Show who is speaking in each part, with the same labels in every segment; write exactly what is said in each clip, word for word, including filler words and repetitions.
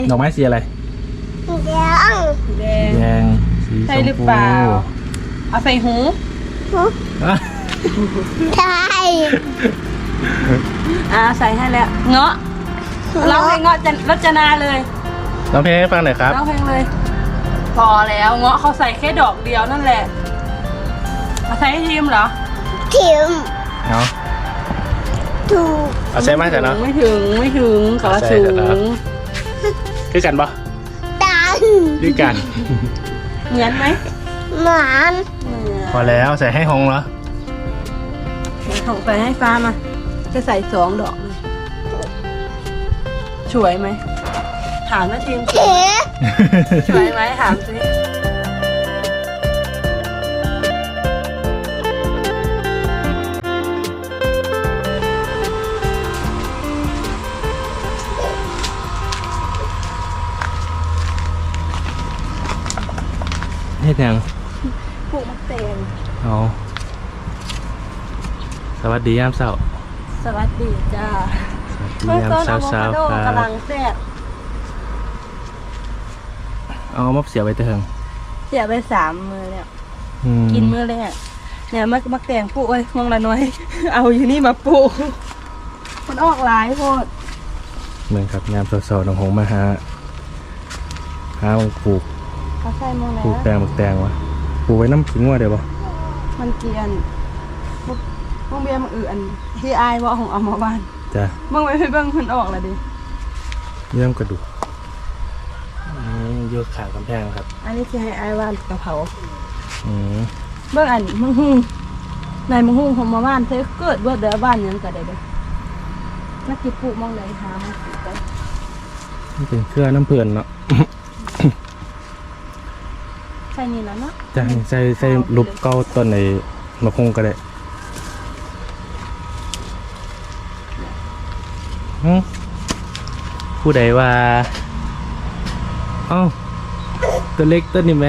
Speaker 1: ดอกไม้สีอะไร
Speaker 2: แดง
Speaker 3: แดง
Speaker 1: แดงสีช
Speaker 3: ใช่
Speaker 1: ม
Speaker 3: หรือ
Speaker 1: พู
Speaker 3: เปล่าเอาใส่หู
Speaker 1: อ่ะ
Speaker 2: ใช่
Speaker 3: อ่าใส่ให้แล้วเงาะร้องเพลงเงาะจันรจนาเลย
Speaker 1: ร้องเพลงให้ฟังหน่อยครับ
Speaker 3: ร้องเพลงเลย พอแล้วเงาะเขาใส่แค่ดอกเดียวนั่นแหละเอาใส่ให้ทีมเหรอ
Speaker 2: ถิม
Speaker 1: เอา
Speaker 2: ถูก
Speaker 1: เอาใช่ไหมแต่เนาะ
Speaker 3: ไม่ถึงไม่ถึงขอ
Speaker 1: ใส่
Speaker 3: สู
Speaker 1: เถอะครับ
Speaker 3: ง
Speaker 1: คือกันปะ
Speaker 2: ตัน
Speaker 1: คือกัน
Speaker 3: เหมือนไหม
Speaker 2: หมาน
Speaker 1: พอแล้วใส่ให้ฮงเหรอ
Speaker 3: ของใส่ให้ฟ้ามาจะใส่สองดอกเลยสวยไหมถามนะทีมสวย
Speaker 2: เอ๋
Speaker 3: สวยไหมถามสิ
Speaker 1: ให้ยัง
Speaker 3: ปลูกมะเตง
Speaker 1: เอาสวัสดียามเช้า
Speaker 3: สวัสดีจ้า
Speaker 1: สวัสดียามเช้าเช้าๆครั
Speaker 3: กำลั
Speaker 1: บ
Speaker 3: งแซ่บ
Speaker 1: เอามะเสียบไปเถิง
Speaker 3: เสียไปสามมือแล้ว
Speaker 1: อืม
Speaker 3: กินมื้อแรกเนี่ยมักมักแตงปลูกไว้มองละน้อย เอาอยู่นี่มาปลูกมันออกหลายโพด
Speaker 1: เหมือนครับยามเช้าๆน้องหงมาหาหามังปลูก
Speaker 3: เขาใส่มองแล้
Speaker 1: ปลู
Speaker 3: ว
Speaker 1: กแตงบักแตงวะปลูกไว้น้ำขิงว่าเดี๋ยวบ่
Speaker 3: มันเกลียนมองเบียร์มันอื่นที่อายว่าของเอามาบ้าน
Speaker 1: จ้ะ
Speaker 3: มองไว้ให้เบิ่งมันออกแล้วดิ
Speaker 1: เยี่ยมกระดูกนี่โยกขากำแพงครับ
Speaker 3: อันนี้ที่ให้อายว่านกะเพรา
Speaker 1: อืม
Speaker 3: เบิ่งอันมึงฮู้ในมึงฮู้ของมาบ้านเธอเกิดเบิดเด้อบ้านหยังก็ได้เด้อนักกินปลูกมองไหนหามาปลูกกัน
Speaker 1: นี่เป็นเครือน้ำเพื่อนเนาะ
Speaker 3: ใช่นี่แล้วเนาะ
Speaker 1: จะใส่ใส่รูปเก้าต้นในมะพงก็ได้หึผู้ใดว่าเอ้าตัวเล็กต้นนี้ไหม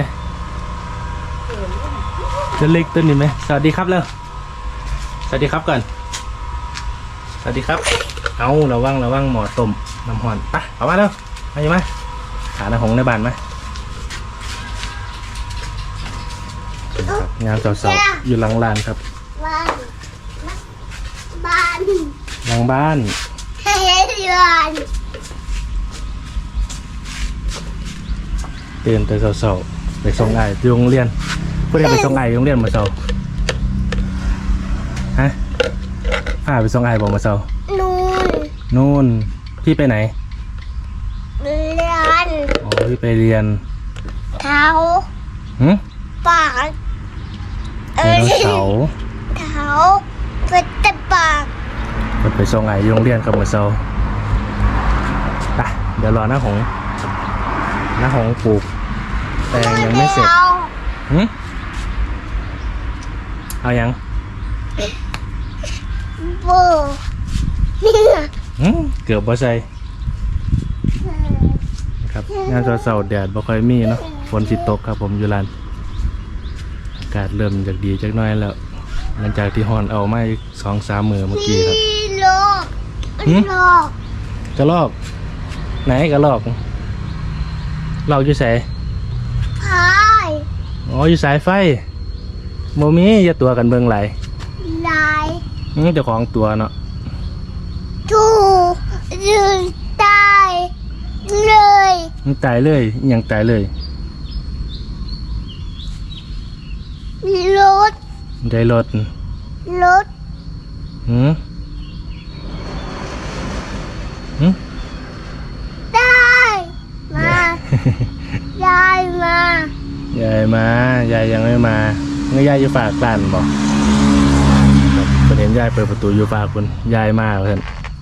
Speaker 1: ตัวเล็กต้นนี้ไหมสวัสดีครับแล้วสวัสดีครับก่อนสวัสดีครับเอาระวังระวังหมอต้มน้ำห่อนไปเอามาเร็วมาอยู่ไหมหาหน้าหงในบ้านไหมครับงานสาวๆอยู่หลังลานครับ
Speaker 2: บ้านบ้าน
Speaker 1: หลังบ้าน
Speaker 2: เฮ้ยบ้าน
Speaker 1: เตือนแต่สาวๆไปส่งไอ้ที่โรงเรียนเพื่อนไปส่งไอ้โรงเรียนมาเช้าฮะพาไปส่งไอ้บอกมาเช้า
Speaker 2: นูน
Speaker 1: นู่นพี่ไปไหน
Speaker 2: เรียน
Speaker 1: อ๋อพี่ไปเรียน
Speaker 2: เท้า
Speaker 1: หืม
Speaker 2: ปากเอ
Speaker 1: ได
Speaker 2: อ
Speaker 1: โนเสาร์
Speaker 2: เท้าเป็นแต่ปาก
Speaker 1: เพิ่นไปส่งไอ้ที่โรงเรียนกับมาเช้าไปเดี๋ยวรอหน้าหงหน้าหงปลูกแตงยังไม่เสร็จหืมเอายัง
Speaker 2: โบนี่ไง
Speaker 1: หืมเกือบบ่ใส่ครับงานเสาร์ๆแดดบ่ค่อยมีเนาะฝนสิตกครับผมอยู่ลานอากาศเริ่มจากดีจักหน้อยแล้ว หลังจากที่ฮอนเอามาอีกสองสามมือเมื่อกี้ครับ
Speaker 2: พี่โลก
Speaker 1: หืม
Speaker 2: โลก
Speaker 1: กระลอก ไหนกระลอกเราอยู่ไส
Speaker 2: พาย
Speaker 1: อ๋ออยู่สายไฟโมมีอย่าตัวกันเบิ่งไหลาย
Speaker 2: ลาย
Speaker 1: อื้อเจ้าของตัวเนาะ
Speaker 2: ถูกยืนตายเลย
Speaker 1: มันตายเลยอิหยังตายเลย
Speaker 2: รถ
Speaker 1: ได้รถ
Speaker 2: รถ
Speaker 1: หืมหืม
Speaker 2: ได้มา ยายมาย
Speaker 1: ายมายายยังไม่มาเงยยายอยู่ฝากร้านบอกครับประเด็นยายเปิดประตูอยู่ฝากคุณยายมาเพื่อน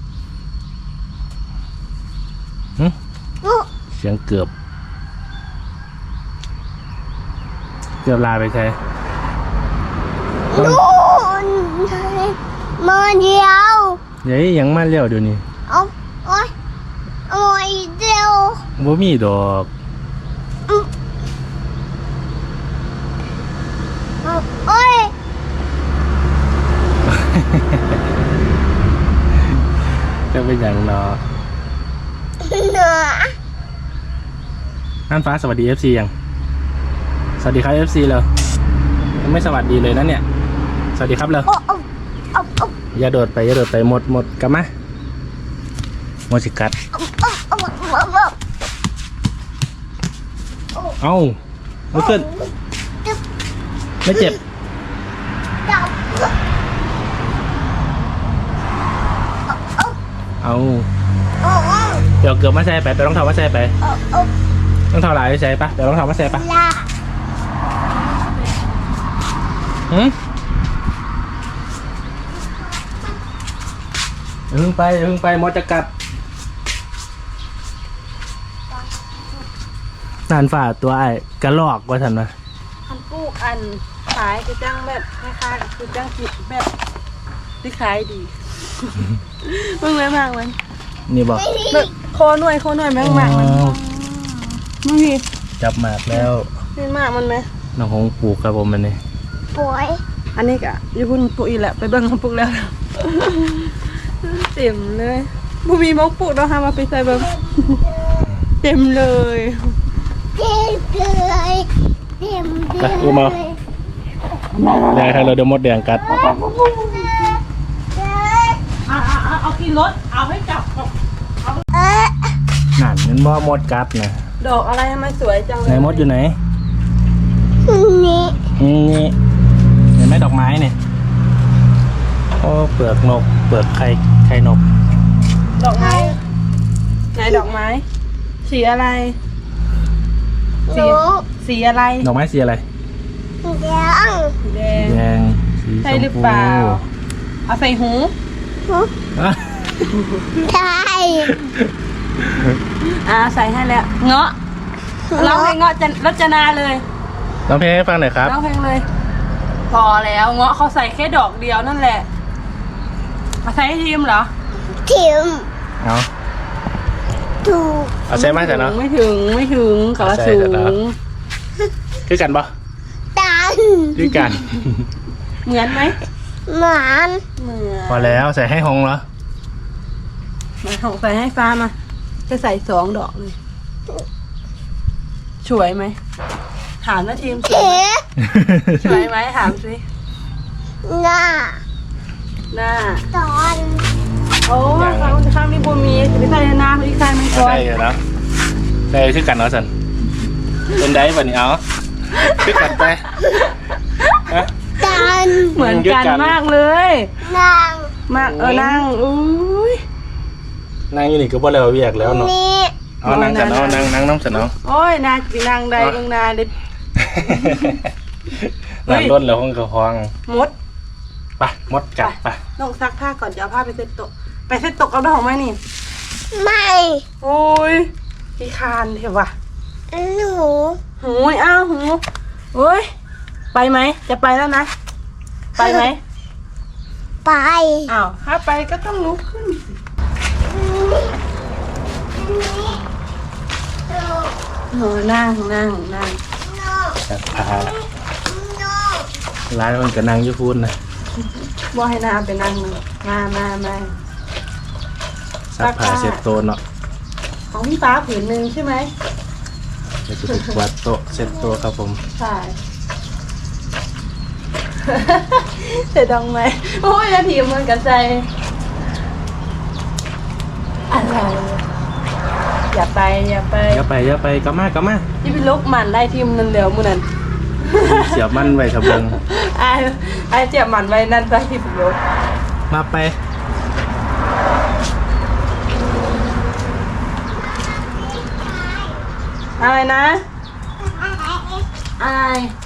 Speaker 1: หึ
Speaker 2: อุ๊
Speaker 1: เสียงเกือบ เกือบลาไปใช่
Speaker 2: นู่นมาเดียว
Speaker 1: ยัยยังมาเลี้ยวเดี๋ยวนี้
Speaker 2: เอาโอ้ยโอ้ยเดียว
Speaker 1: บ่มีดอก
Speaker 2: โอ้ย
Speaker 1: จะเป็นอย่างเนาะ
Speaker 2: เหนือ
Speaker 1: น่านฟ้าสวัสดี เอฟ ซี ยังสวัสดีครับ เอฟ ซี เลยยังไม่สวัสดีเลยนะเนี่ยสวัสดีครับเลย
Speaker 2: โอ้โอ้โอ้โอ้
Speaker 1: อย่าโดดไปอย่าโดดไปหมดหมดกลับมาหมดสิกัด
Speaker 2: โอ้โอ้โอ้โอ้
Speaker 1: เอ้าลุกขึ้นไม่เจ็บ
Speaker 2: จับ
Speaker 1: เอา
Speaker 2: โอ้โอ้
Speaker 1: เดี๋ยวเกือบมาใส่ไปไปต้องเท้ามาใส่ไป
Speaker 2: โอ้โอ้
Speaker 1: ต้องเท้าหลายใส่ปะเดี๋ยวต้องเท้ามาใส่ปะ
Speaker 2: ลา
Speaker 1: หืมอย่าเพิ่งไปอย่าเพิ่งไปมดจะกัดนานฝ่าตัวไอ้กระลอกว่าทันวะ
Speaker 3: อันปลูกอันขายคือจังแบบคล้ายๆคือจังจิตแบบที่ขายดี มึงเลยมากมัน
Speaker 1: นี่บอก
Speaker 3: แบบโคหน่วยโคหน่วยแม่งมากมัน
Speaker 1: อ้าว
Speaker 3: มึงพี่
Speaker 1: จับหมากแล้ว
Speaker 3: นี่มากมันไหม
Speaker 1: น้องหงปลูกครับผมมันนี่
Speaker 2: ป่วย
Speaker 3: อันนี้กะอยู่พุ่นปลูกอีกแหละไปเบิ่งเขาปลูกแล้ว เต็มเลยบูมีมกปลูกแล้วค่ะมาไปใส่เบิ่ง เต็มเลย
Speaker 2: เต็มเลยเต็มเลย
Speaker 1: แดงครับเราเดี๋ยวมดแดงกัด
Speaker 3: เอาเอาเอากินรถเอาให้จับ
Speaker 2: เอ๊ะ
Speaker 1: นั่นมันบ่มดกัดนะ
Speaker 3: ดอกอะไรทำไมสวยจังเล
Speaker 1: ไหน
Speaker 3: ย
Speaker 1: มดอยู่ไหน
Speaker 2: นี่
Speaker 1: อืมนี่เห็นไหมดอกไม้เนี่ยโอ้เปลือกนกเปลือกไข่ไข่นก
Speaker 3: ดอกไม้ไหนดอกไม้ สีอะไร
Speaker 2: หนู
Speaker 3: สีอะไร
Speaker 1: ดอกไม้สีอะไร
Speaker 2: ยัง
Speaker 3: สีแดง
Speaker 1: แดงสีช
Speaker 3: ใช่
Speaker 1: ม
Speaker 3: หรือ
Speaker 1: พู
Speaker 3: เปล่า เอาใส่หู
Speaker 1: อ่ะ
Speaker 2: ใช่
Speaker 3: อ่าใส่ให้แล้วเงาะร้องเพลงเงาะจะรจนาเลย
Speaker 1: ร้องเพลงให้ฟังหน่อยครับ
Speaker 3: ร้องเพลงเลย พอแล้วเงาะเขาใส่แค่ดอกเดียวนั่นแหละเอาใส่ให้ทีมเหรอ
Speaker 2: ทิม
Speaker 1: เอา
Speaker 2: ถูก
Speaker 1: เอาใช่ไหมแต่เนาะ
Speaker 3: ไม่ถึงไม่ถึงขอ
Speaker 1: เอาใส่
Speaker 3: สู
Speaker 1: เถอะเนอะ
Speaker 3: ง
Speaker 1: คือกันปะ
Speaker 2: ตัน
Speaker 1: คือกัน
Speaker 3: เหมือนไหม
Speaker 2: หมาน
Speaker 3: เหมือน
Speaker 1: พอแล้วใส่ให้หงเหรอ
Speaker 3: มาของใส่ให้ฟ้ามา จะใส่สองดอกเลยสวยไหมถามนะทีมสวย
Speaker 2: เอ๊
Speaker 3: ไหม
Speaker 2: ะ
Speaker 3: สวยไหมถามสิ
Speaker 2: หน้า
Speaker 3: หน้า
Speaker 2: ตอน
Speaker 3: โอ้ข้างข้างนี้บูมีจะไปใส่หน้าพี่ใส่มันก่อน
Speaker 1: ใช่เหรอใช่คือกันเนาะสันเป็นได้ป่ะนี่เอาคือกันไปฮะ
Speaker 2: ตัน
Speaker 3: เหมือนกันมากเลย
Speaker 2: นาง
Speaker 3: มากเออนั่งอุ้ย
Speaker 1: นั่งอยู่นี่ก็บ่แล้วเวียกแล้วเนาะ
Speaker 2: นี่
Speaker 1: เอานั่งสันเอานั่งนั่งน้ำสันเอา
Speaker 3: โอ้ยนาจีนางใดเบิ่งนาเด็ด
Speaker 1: นั่งรถแล้วห้องกระพอง
Speaker 3: มด
Speaker 1: ไปมดกัดไป
Speaker 3: ต้องซักผ้าก่อนจะเอาผ้าไปเซ็ตโต๊ะไปเซ็ตโต๊ะเอาดอกไม้นี่
Speaker 2: ไม่
Speaker 3: โอ้ยพี่คานเถอะว่ะ
Speaker 2: หนู
Speaker 3: หูยอ้าวหูโอ้ยไปไหมจะไปแล้วนะไปไหม
Speaker 2: ไป
Speaker 3: อ้าวถ้าไปก็ต้องลุกขึ้นสิโอ้นั่งนั่งนั่ง
Speaker 1: จัดพาร้านมันก็นั่งอยูพูนนะ
Speaker 3: ว่าให้นาไปนั่งเลยมามามา
Speaker 1: ซักผ้าเสร็จโตะเนาะ
Speaker 3: ของพี่ฟ้าผืนหนึ่งใช่ไหม
Speaker 1: เดี๋ยวจะไปกวาดโต๊ะเสร็จโต๊ะครับผม
Speaker 3: ใช่ เสร็จดองไหมโอ้ยนาทีมันกันใจอะไรอย่าไปอย่าไป
Speaker 1: อย่าไปอย่าไปกลับมากลับมา
Speaker 3: ที่เป็นลูกหมันได้ทีมนั่นเดียวมือนั้น
Speaker 1: เสียบมันไว้ทะเบิง
Speaker 3: ไอ้ไอ้เจ็บหมันไว้นั่นไปที่เป็นลูก
Speaker 1: มาไป
Speaker 3: อะไรนะอะไร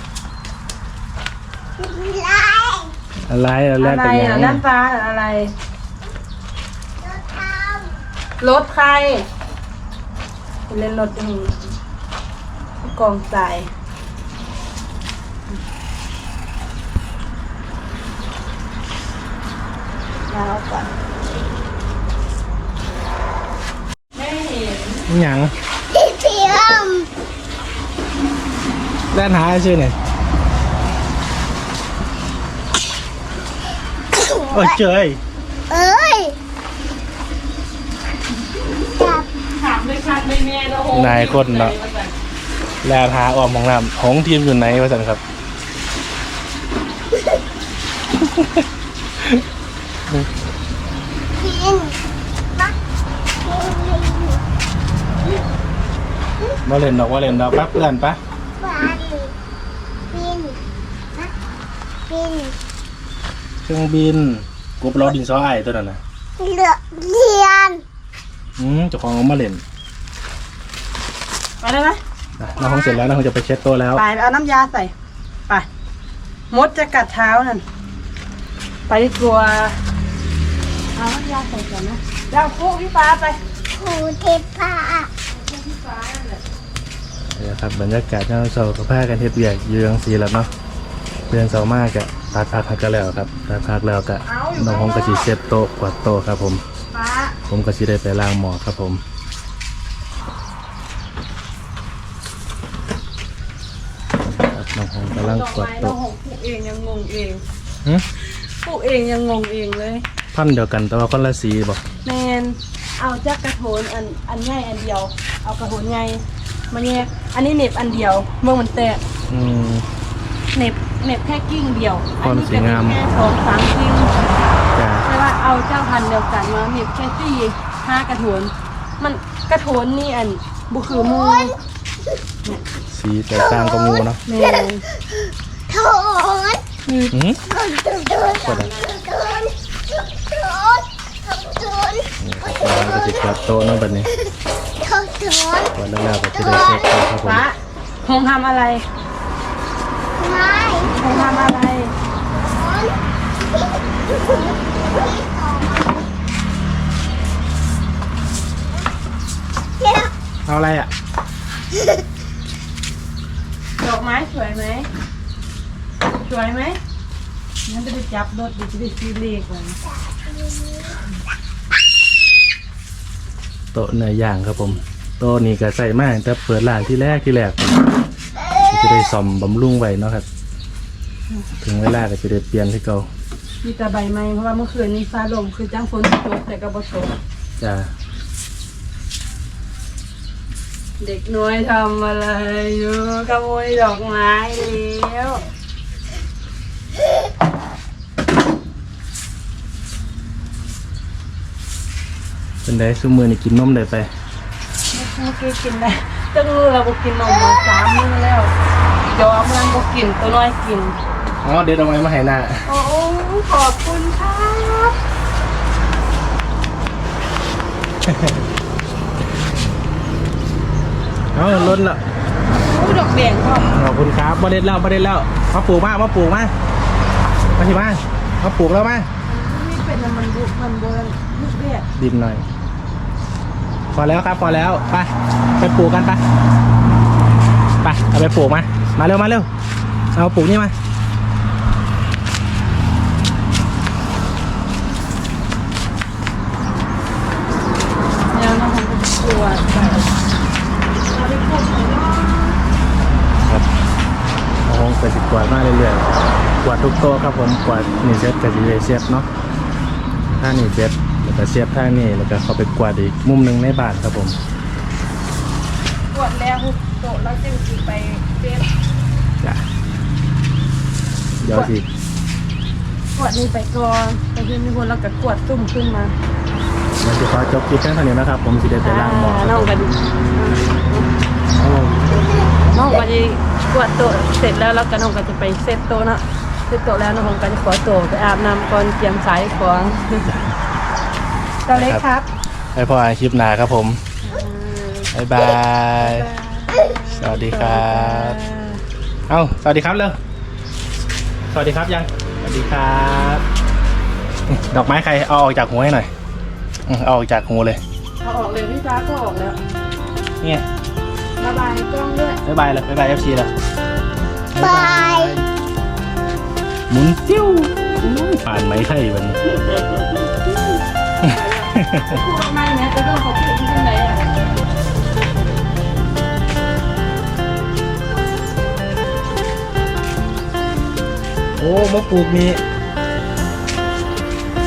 Speaker 1: อะไรเราแลก
Speaker 3: อะไร
Speaker 1: กันยั
Speaker 3: อ่ะ
Speaker 1: ง
Speaker 3: นั่นฟ้าเหรออะไรรถใครไปเล่นรถยังกองทรายแล้วก่อนไม่เห็น
Speaker 1: หยัง
Speaker 2: พี่เทียม
Speaker 1: แล่นหาชื่อเนี่ยโอ้ยเจย
Speaker 2: เอ้ยจับ
Speaker 3: ถามเลยค่ะเลยแม่โอ้โห
Speaker 1: นายคนเนาะแลพาออมของน้ำของทีมอยู่ไหนวะสันครับ
Speaker 2: กินนะกิน
Speaker 1: มาเล่นดอกมาเล่นดอกปั๊บเพื่อนปะ
Speaker 2: ฟันกินนะกิน
Speaker 1: เครื่องบินกบล้อดินซอไอตัวนั้นนะ
Speaker 2: เลือเรียน
Speaker 1: อืมเจ้าของเอามาเล่น
Speaker 3: ไปได้ไหม
Speaker 1: นะน้องคงเสร็จแล้วน้องคงจะไปเช็ดโต๊ะแล้ว
Speaker 3: ไปเอาน้ำยาใส่ไปมดจะกัดเท้านั่นไปดีกว่าเอาน้ำยาใส่ก่อนนะเดี๋ยวปุ๊พี่ฟ้าไป
Speaker 2: ครูเทพา
Speaker 3: พี่ฟ้านั่นแหละ
Speaker 1: นี่ครับบรรยากาศที่เราเสากับผ้ากันเฮ็ดเบียกอยู่ยังสีแล้วเนาะเพื่อนเสามากกะตัดพักกันแล้วครับตัดพักแล้วกะน้องคงกระสีเช็ดโต๊ะกวาดโต๊ะครับผม
Speaker 3: ฟ้า
Speaker 1: ผมก็สิได้ไปล้างหมอครับผมครับน้องคงกำลัง
Speaker 3: ดอก
Speaker 1: กวาด
Speaker 3: ไม้เรา
Speaker 1: โต๊ะ
Speaker 3: หกปลูกเองยังงงเอง
Speaker 1: หึ
Speaker 3: ปลูกเองยังงงเองเลย
Speaker 1: พันธุ์เดียวกันแต่ว่าคนละสีบอก
Speaker 3: แมนเอาจากกระโถนอันอันใหญ่อันเดียว เอากระโถนใหญ่มาแยกอันนี้เหน็บอันเดียวเมื่อมันแตก
Speaker 1: อืม
Speaker 3: เหน็บเหน็บแค่กิ้งเดียว
Speaker 1: ความสวยงาม
Speaker 3: อันนี้ก็เหน็บแค่สองสามกิ้ง
Speaker 1: จ้า
Speaker 3: แต่ว่าเอาเจ้าพันธุ์เดียวกันมาเหน็บแค่สี่ห้ากระโถนมันกระโถนนี่อันบุคือหมู
Speaker 1: สีแตกต่างกับงูเนาะ
Speaker 3: แมน
Speaker 2: โถน
Speaker 3: มี
Speaker 1: อืม
Speaker 2: โถนโถนโถนโถนโถนโถนโถน
Speaker 1: เราก็จะกวาดโต๊ะเนาะแบบนี้
Speaker 2: โถนโถน
Speaker 1: กวาดแล้วๆก็จะได้เช็ดโต๊ะครับผม
Speaker 3: ฟ้าคงทำอะไร
Speaker 2: ไม่
Speaker 3: คงทำอะไร
Speaker 2: เดี๋ยว
Speaker 1: เอาอะไรอ่ะ
Speaker 3: ดอกไม้สวยไหมสวยไหมงั้นจะไปจับรถดิจะได้ซื้อเลขก่อน
Speaker 1: โต๊ะเนื้อย่างครับผมโต๊ะนี้ก็ใส่มากแต่เปิดร้านที่แรกที่แรกก็จะได้ซ่อมบำรุงไว้เนาะครับถึงเวลาก็จะได้เปลี่ยนที่เก่า
Speaker 3: มีแต่ใบไม้เพราะว่าเมื่อคืนนี้ฟ้าลมคือจ้างฝนตกแต่ก็บ่ตก
Speaker 1: จ้า
Speaker 3: เด็กน้อยทำอะไรอยู่ขโมยดอกไม้แล้ว
Speaker 1: เป็นได้ซุมือนี่กินนมได้ไป
Speaker 3: เมื่อกี้กินได้ตั้งรู้เราบ่กินนมมาสามมื้อแล้วยอมมันบ่กินตัวน้อยกิน
Speaker 1: อ๋อเดี๋ยวเอาไว้มาให้หน้า
Speaker 3: โอ้ขอบคุณครับ
Speaker 1: เอาล้นละ
Speaker 3: โอ้ดอกแดงก็
Speaker 1: ขอบคุณครับมาเด็ดแล้วมาเด็ดแล้วมาปลูกมามาปลูกมามาที่มามาปลูกแล้วมา
Speaker 3: นี่เป็นมันบุมันโบราณลูกเบี้ย
Speaker 1: ดินหน่อยพอแล้วครับพอแล้วไปไปปลูกกันไปไปเอาไปปลูกมามาเร็วมาเร็วเอาปลูกนี่มา
Speaker 3: แล้วน้องทำเป็นตัวเอาไปปลูกเลยเนาะ
Speaker 1: ครับเอาห้องไปสิกวาดมาเรื่อยๆกวาดทุกโต๊ะครับผมกวาดนี่เซตกับดีเลยเซตเนาะถ้านี่เซตแล้วก็เซตท่านี่แล้วก็เขาไปกวาดอีกมุมหนึ่งในบ้านครับผม
Speaker 3: ปวดแล้วโตะแล้วจึงสิไปเป็น
Speaker 1: จ้ะเดี๋ยวสิ
Speaker 3: ปวดนี่ไปก่อนแต่คือมีคนเราก็กวดตุ่มขึ้นมา
Speaker 1: เดี๋ยวจะขอจบคลิปแค่เท่านี้นะครับผมสิเดไปล้างหม้อค
Speaker 3: น้
Speaker 1: รั
Speaker 3: อบ ง
Speaker 1: ผม
Speaker 3: ก็ดี
Speaker 1: เอา
Speaker 3: น้องก็จะกวดโต๊ะเสร็จแล้วแล้วก็น้องก็จะไปเซตโต๊ะเนาะเซตโต๊ะแล้วน้องก็จะขอโต๊ะไปอาบน้ำก่อนเตรียมสายของเจ้าเล็กครับ
Speaker 1: ให้พ่ออ่านคลิปหน้าครับผมบ๊ายบาย สวัสดีครับ เอาสวัสดีครับเร็วสวัสดีครับยัง สวัสดีครับนี่ดอกไม้ใครเอาออกจากหัวให้หน่อยอืมเอาออกจากหัวเลย
Speaker 3: เอาออกเลยพี่ฟ้าก็ออกแล้ว
Speaker 1: นี่ไง
Speaker 3: ระบายกล้องด้วย
Speaker 1: บ๊ายบายเลยบ๊ายบายเอฟซีเลย
Speaker 2: บาย
Speaker 1: หมุนติ้วอุ้ยผ่านไหมไทยวันนี้
Speaker 3: พูดไม่เนี่ยจะต้องขอพูดที่ไหนอ่ะ
Speaker 1: โอ้มะปลูกมี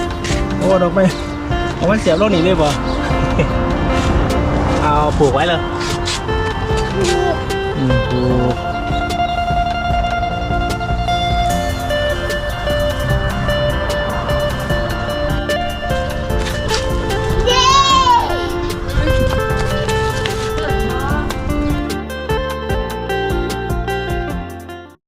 Speaker 1: โอ้ดอกไม้เอามันเสียบโลกนี้เลยบ่ เอาปลูกไว้เลย